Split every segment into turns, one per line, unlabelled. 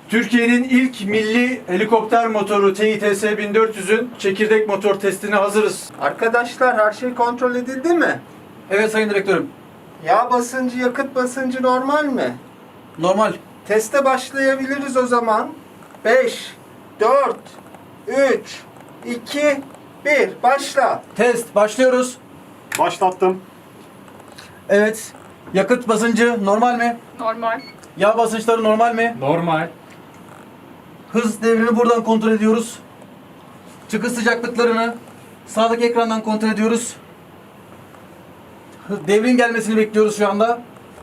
Türkiye'nin ilk milli helikopter motoru TİTS 1400'ün çekirdek motor testine hazırız.
Arkadaşlar her şey kontrol edildi mi?
Evet sayın direktörüm.
Yağ basıncı, yakıt basıncı normal mi?
Normal.
Teste başlayabiliriz o zaman. 5, 4, 3, 2, 1. Başla.
Test başlıyoruz.
Başlattım.
Evet. Yakıt basıncı normal mi?
Normal.
Yağ basınçları normal mi?
Normal.
Hız devrini buradan kontrol ediyoruz. Çıkış sıcaklıklarını sağdaki ekrandan kontrol ediyoruz. Devrin gelmesini bekliyoruz şu anda.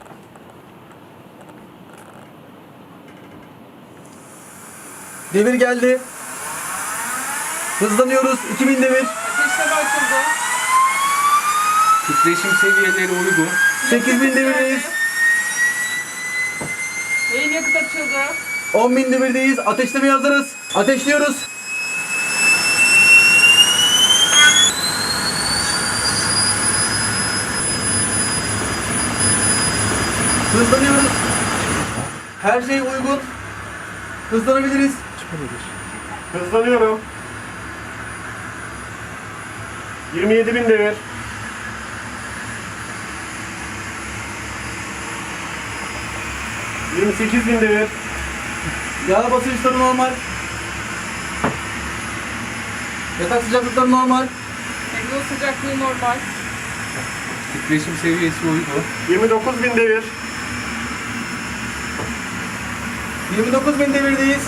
Devir geldi. Hızlanıyoruz. 2000 devir.
Ateşleme açıldı.
Titreşim seviyeleri uygun.
8000 devirdeyiz.
Yayın yakıt açıldı.
10.000 devirdeyiz. Ateşlemeye hazırız. Ateşliyoruz. Hızlanıyoruz. Her şey uygun. Hızlanabiliriz.
Hızlanıyorum. 27.000 devir. ...28.000 devir.
Yağ basınçları normal. Yatak sıcaklıkları normal.
Egzoz sıcaklığı normal.
Titreşim seviyesi uygun. 29.000 devir.
29.000 devirdeyiz.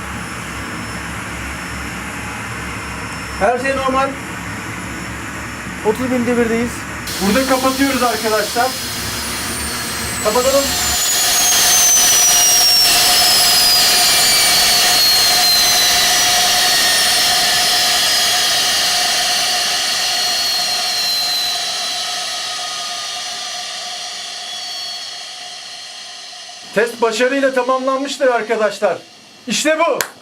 Her şey normal. 30.000 devirdeyiz.
Burada kapatıyoruz arkadaşlar.
Kapatalım.
Test başarıyla tamamlanmıştır arkadaşlar. İşte bu.